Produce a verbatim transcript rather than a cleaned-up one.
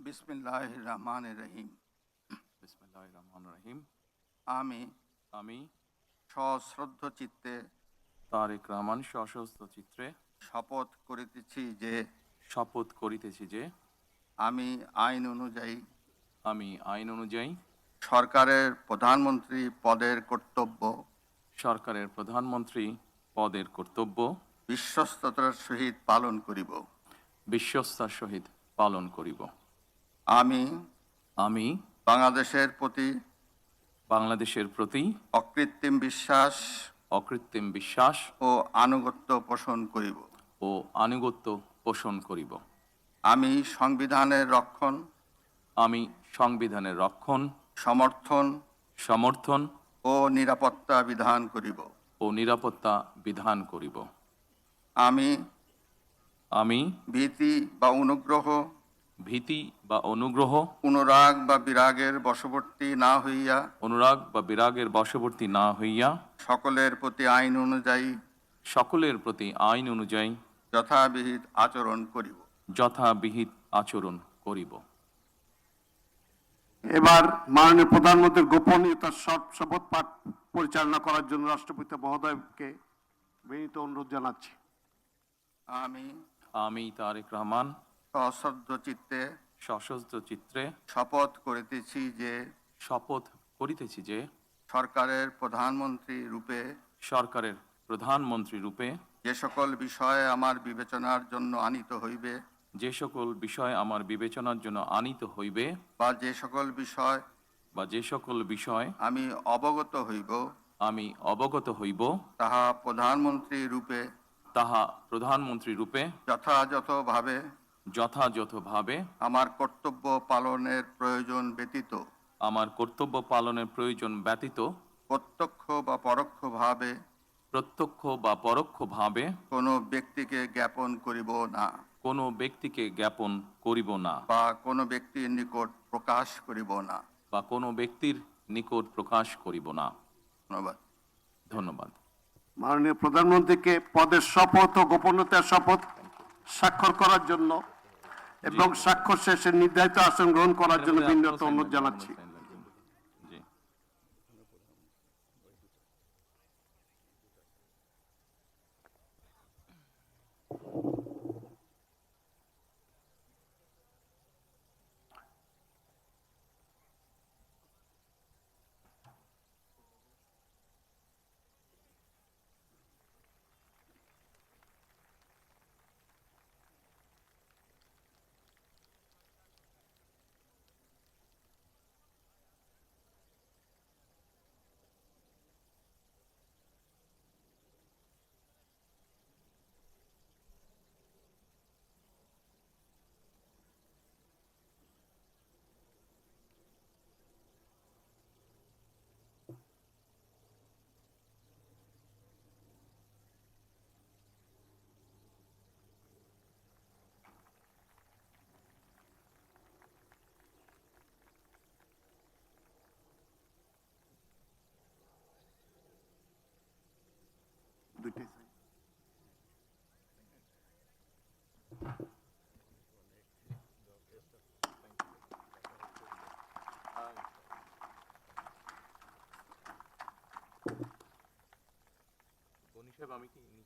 বিসমিল্লাহির রহমানির রহিম। বিসমিল্লাহির রহমানির রহিম। আমি আমি সশ্রদ্ধ চিত্তে তারেক রহমান সশস্ত্র চিত্রে শপথ করিতেছি যে শপথ করিতেছি যে আমি আইন অনুযায়ী আমি আইন অনুযায়ী সরকারের প্রধানমন্ত্রী পদের কর্তব্য সরকারের প্রধানমন্ত্রী পদের কর্তব্য বিশ্বস্ততার সহিত পালন করিব। বিশ্বস্তার সহিত পালন করিব। আমি আমি বাংলাদেশের প্রতি বাংলাদেশের প্রতি অকৃত্রিম বিশ্বাস অকৃত্রিম বিশ্বাস ও আনুগত্য পোষণ করিব। ও আনুগত্য পোষণ করিব। আমি সংবিধানের রক্ষণ আমি সংবিধানের রক্ষণ সমর্থন সমর্থন ও নিরাপত্তা বিধান করিব। ও নিরাপত্তা বিধান করিব। আমি আমি ভীতি বা অনুগ্রহ ভীতি বা অনুগ্রহ অনুরাগ বা বিরাগের বশবর্তী না হইয়া অনুরাগ বা বিরাগের বশবর্তী না হইয়া সকলের প্রতি আইন অনুযায়ী সকলের প্রতি আইন অনুযায়ী যথাবিহিত আচরণ করিব। যথাবিহিত আচরণ করিব। এবার মাননীয় প্রধানমন্ত্রীর গোপনীয়তার শপথ পাঠ পরিচালনা করার জন্য রাষ্ট্রপতি মহোদয়কে বিনীত অনুরোধ জানাচ্ছি। আমি আমি তারেক রহমান সশ্রদ্ধ চিত্তে সশস্ত্র চিত্রে শপথ করিতেছি যে শপথ করিতেছি যে সরকারের প্রধানমন্ত্রী রূপে সরকারের প্রধানমন্ত্রী রূপে যে সকল বিষয়ে আমার বিবেচনার জন্য আনিত হইবে যে সকল বিষয় আমার বিবেচনার জন্য আনিত হইবে বা যে সকল বিষয় বা যে সকল বিষয় আমি অবগত হইব আমি অবগত হইব তাহা প্রধানমন্ত্রী রূপে তাহা প্রধানমন্ত্রী রূপে যথাযথভাবে যথাযথভাবে আমার কর্তব্য পালনের প্রয়োজন ব্যতীত আমার কর্তব্য পালনের প্রয়োজন ব্যতীত প্রত্যক্ষ বা পরোক্ষভাবে প্রত্যক্ষ বা পরোক্ষভাবে কোনো ব্যক্তিকে জ্ঞাপন করিব না কোনো ব্যক্তিকে জ্ঞাপন করিব না বা কোনো ব্যক্তির নিকট প্রকাশ করিব না। বা কোনো ব্যক্তির নিকট প্রকাশ করিব না। ধন্যবাদ। ধন্যবাদ। মাননীয় প্রধানমন্ত্রীকে পদের শপথ ও গোপনীয়তার শপথ স্বাক্ষর করার জন্য এবং স্বাক্ষর শেষে নির্ধারিত আসন গ্রহণ করার জন্য বিনীত অনুরোধ জানাচ্ছি। জি। দুইটাই গনি সাহেব, আমি কি